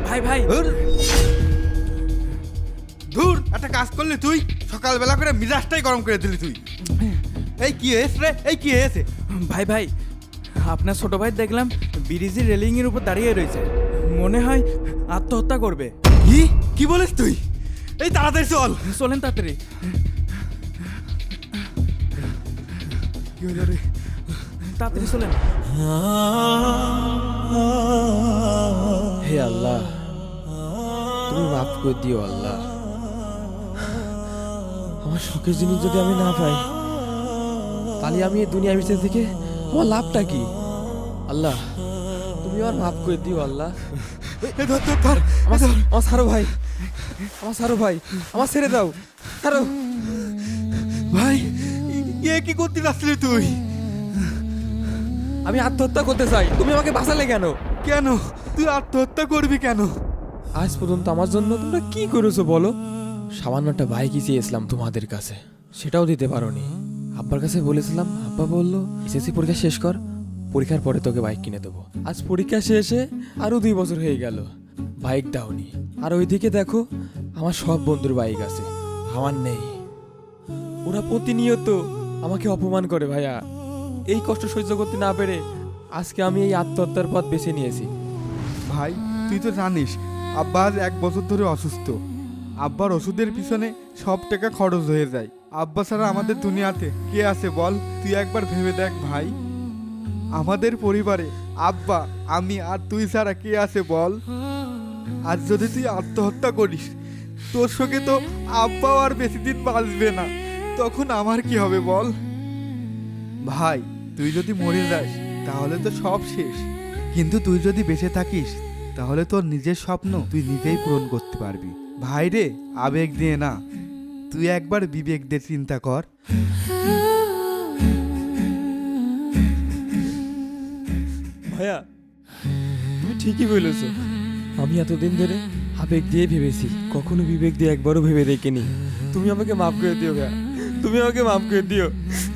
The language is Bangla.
ভাই ভাই ধুর, একটা কাজ করলি তুই, সকালবেলা করে মিজাজটাই গরম করে দিলি তুই। এই কি হয়েছে রে, এই কি হয়েছে? ভাই ভাই আপনার ছোট ভাই দেখলাম ব্রিজের রেলিং এর উপর দাঁড়িয়ে রয়েছে, মনে হয় আত্মহত্যা করবে। কি কি বলিস তুই? এই তাড়াতাড়ি চল। চলেন তাড়াতাড়ি। কি হলো রে? তাড়াতাড়ি চলেন। হে আল্লাহ, তুমি মাফ করে দিও আল্লাহ। আমার শখের জিনিস যদি আমি না পাই, তাহলে আমি এই দুনিয়া বেঁচে থেকে আমার লাভটা কি? আল্লাহ, তুমি আমার মাফ করে দিও আল্লাহ। এই ধর ধর ধর, আমার সারো ভাই, আমার সারো ভাই, আমার ছেড়ে দাও, সারো ভাই এ কি করতে যাচ্ছিলি তুই? আমি আত্মহত্যা করতে চাই, তুমি আমাকে বাঁচালে কেন? কেন তুই আত্মহত্যা করবি কেন? আজ পর্যন্ত আমার জন্য তোমরা কি করেছো বলো? সামান্য একটা বাইকই চেয়েছিলাম তোমাদের কাছে, সেটাও দিতে পারোনি। আব্বার কাছে বলেছিলাম, আব্বা বলল এসএসসি পরীক্ষা শেষ কর, পরীক্ষার পরে তোকে বাইক কিনে দেবো। আজ পরীক্ষা শেষে আরো 2 বছর হয়ে গেল, বাইক দাওনি। আর ওইদিকে দেখো আমার সব বন্ধুর বাইক আছে, আমার নেই। ওরা প্রতিনিয়ত আমাকে অপমান করে ভাইয়া। এই কষ্ট সহ্য করতে না পেরে আজকে আমি এই আত্মহত্যার পথ বেছে নিয়েছি। ভাই তুই তো জানিস আব্বা আজ 1 বছর ধরে অসুস্থ। আব্বার ওষুধের পিছনে সব টাকা খরচ হয়ে যায়। আব্বা ছাড়া আমাদের দুনিয়াতে কে আছে বল? তুই একবার ভেবে দেখ ভাই, আমাদের পরিবারে আব্বা, আমি আর তুই ছাড়া কে আছে বল? আজ যদি তুই আত্মহত্যা করিস, তোর সঙ্গে তো আব্বাও আর বেশি দিন বাঁচবে না, তখন আমার কি হবে বল? ভাই তুই যদি মরে যাস তাহলে তো সব শেষ, কিন্তু তুই যদি বেঁচে থাকিস তাহলে তোর নিজের স্বপ্ন তুই নিজেই পূরণ করতে পারবি। ভাই রে, আবেগ দিয়ে না, তুই একবার বিবেক দিয়ে চিন্তা কর। ভাইয়া তুমি ঠিকই বলেছো, আমি এতদিন ধরে আবেগ দিয়ে ভেবেছি, কখনো বিবেক দিয়ে একবারও ভেবে দেখিনি। তুমি আমাকে মাফ করে দিও ভাইয়া, তুমি আমাকে মাফ করে দিও।